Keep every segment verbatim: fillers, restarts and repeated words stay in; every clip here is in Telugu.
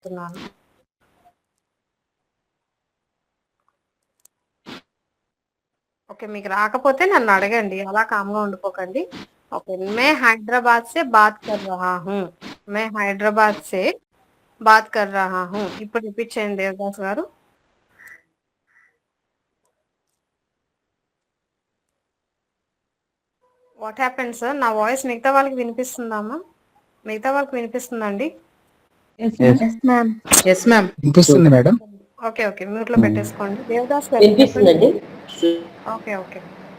చెప్తున్నాను. ఓకే. మీకు రాకపోతే నన్ను అడగండి. అలా కామ్‌గా ఉండిపోకండి. ఓకే. मैं हैदराबाद से बात कर रहा हूँ. मैं हैदराबाद से बात कर रहा हूँ. ఇప్పుడు రిపీట్ చేయండి Devadas garu. What happened sir? నా వాయిస్ మిగతా వాళ్ళకి వినిపిస్తుందామా? మిగతా వాళ్ళకి వినిపిస్తుందండి? Yes ma'am. Yes ma'am. వినిపిస్తుంది మేడం. ఓకే. ఓకే. మ్యూట్‌లో పెట్టేసుకోండి. దేవదాస్ గారు చెప్పండి. వినిపిస్తుందండి. Okay. Okay.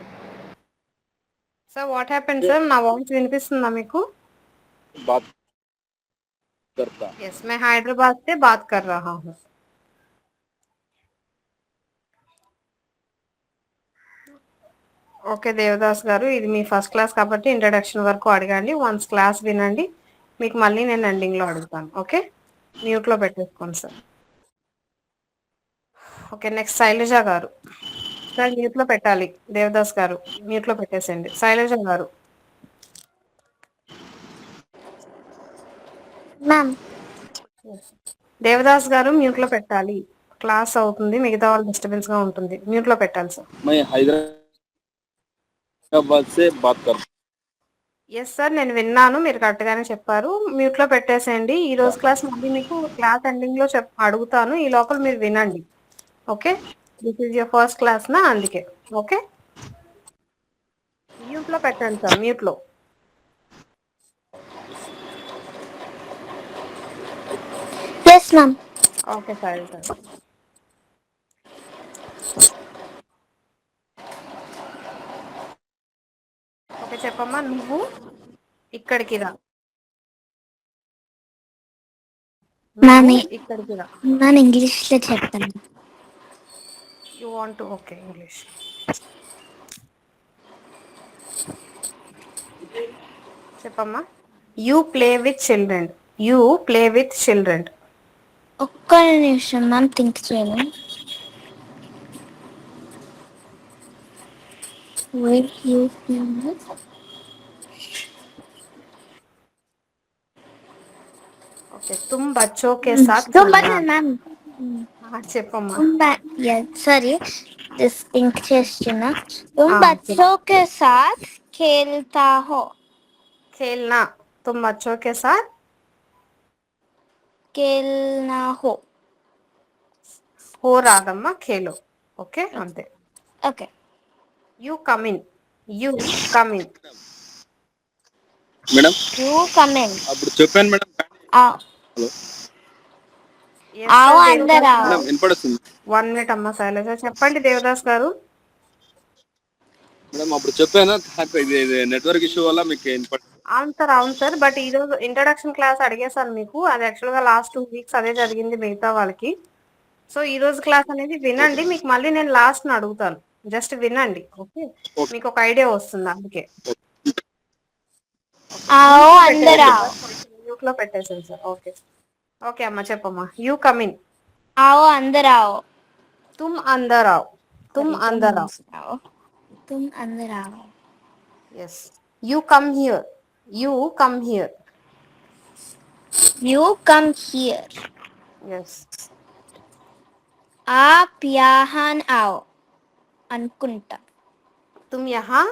Sir what happened sir? నా వాయిస్ వినిపిస్తుందా మీకు? बात करता यस मैं हैदराबाद से बात कर रहा हूँ. ఓకే దేవదాస్ గారు, ఇది మీ ఫస్ట్ క్లాస్ కాబట్టి ఇంట్రడక్షన్ వరకు అడగండి. వన్స్ క్లాస్ వినండి, మీకు మళ్ళీ నేను ఎండింగ్లో అడుగుతాను. ఓకే, మ్యూట్లో పెట్టేసుకోండి సార్. ఓకే, నెక్స్ట్ శైలజ గారు. సార్ మ్యూట్లో పెట్టాలి. దేవదాస్ గారు మ్యూట్లో పెట్టేసేయండి. శైలజ గారు. మ్యామ్. దేవదాస్ గారు మ్యూట్లో పెట్టాలి. క్లాస్ అవుతుంది, మిగతా వాళ్ళు డిస్టర్బెన్స్ గా ఉంటుంది. మ్యూట్లో పెట్టాలి సార్. मैं हैदराबाद से बात करता ఎస్ సార్, నేను విన్నాను, మీరు కరెక్ట్ గానే చెప్పారు. మ్యూట్ లో పెట్టేసేయండి. ఈ రోజు క్లాస్ మళ్ళీ మీకు క్లాస్ ఎండింగ్ లో చెప్ అడుగుతాను. ఈ లోపల మీరు వినండి. Okay, this is your first class నా, అందుకే. ఓకే, మ్యూట్ లో పెట్టండి సార్, మ్యూట్ లో. Yes ma'am. Okay sir sir okay చెప్పమ్మా. నువ్వు ఇక్కడికి రా. మ్యామ్ నువ్వు ఇక్కడికి రా. మ్యామ్ ఇంగ్లీష్ లో చెప్తాను. You want to, okay English చెప్పమ్మా. You play with children. You play with children. ఒక్క నిమిషం మ్యామ్, థింక్ చేయాలి. Where you feel ఓకే, तुम बच्चों के साथ तुम खेलना. మ్యామ్. చెప్పమ్మా. సారీ, దిస్ థింక్ చేస్తున్నా. तुम ఆ, बच्चों के साथ खेलता हो. खेलना. तुम बच्चों के साथ खेलना हो. हो రాదమ్మా, ఖేలో. ఓకే అంతే. Okay. You come in. You come in. Madam you come in. అప్పుడు చెప్పాను మేడం. హలో ఆవు అందరు మేడం వినపడుతుంది వన్ మినిట్ అమ్మా శైలజ. చెప్పండి దేవదాస్ గారు. మేడం అప్పుడు చెప్పాను, నాకు ఇది నెట్వర్క్ ఇష్యూ వల్ల మీకు వినపడ అవును సార్, అవును సార్. బట్ ఈ రోజు ఇంట్రడక్షన్ క్లాస్ అడిగేసాను మీకు. అది యాక్చువల్ గా లాస్ట్ టూ వీక్స్ అదే జరిగింది మిగతా వాళ్ళకి. సో ఈ రోజు క్లాస్ అనేది వినండి, మీకు మళ్ళీ నేను లాస్ట్ ని అడుగుతాను. జస్ట్ వినండి. ఓకే, మీకు ఒక ఐడియా వస్తుంది అందుకే. ఆవు అందరు మ్యూట్ లో పెట్టేసాను సార్. ఓకే ఓకే అమ్మా చెప్పమ్మా. You come in. ఆవు అందరు ఆవు. तुम अंदर आओ. तुम अंदर आओ. तुम अंदर आओ. Yes. You come here. You come here. You come here. Yes. आप यहाँ आओ. అనుకుంటా. तुम यहाँ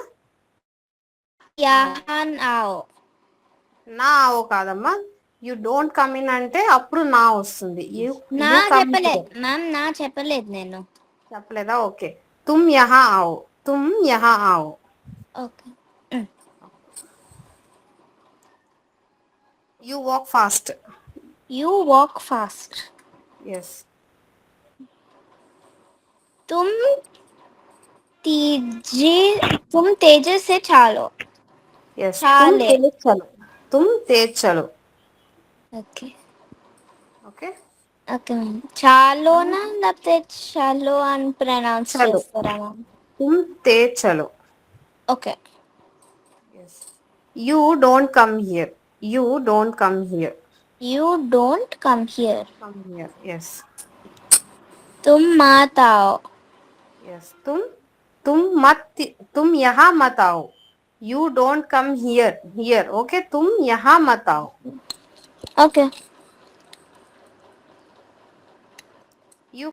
यहाँ आओ. నా ఆవో కాదమ్మా. యూ డోంట్ కమ్ ఇన్ అంటే అప్పుడు నా వస్తుంది. యూ నా యూ కమ్ చెప్పలేదు మ్యామ్, నా చెప్పలేదు నేను. చెప్పలేదా? ఓకే. तुम यहाँ आओ. तुम यहाँ आओ. Okay. You walk fast. You walk fast. Yes. तुम तेजी तुम तेजी से चलो. Yes. చాలే. तुम तेज चलो. तुम तेज चलो. ఓకే. ఓకే. Okay ma'am. చాలోనా లేకపోతే చలో అని ప్రొనౌన్స్ చలో. చేస్తారా మ్యామ్? तुम तेज चलो. Okay. Yes. You don't come here. You don't come here. You don't come here. Come here. Yes. तुम मत आओ. Yes. तुम तुम मत तुम यहाँ मत आओ. You don't come here. Here. Okay. तुम यहाँ मत आओ. ఓకే.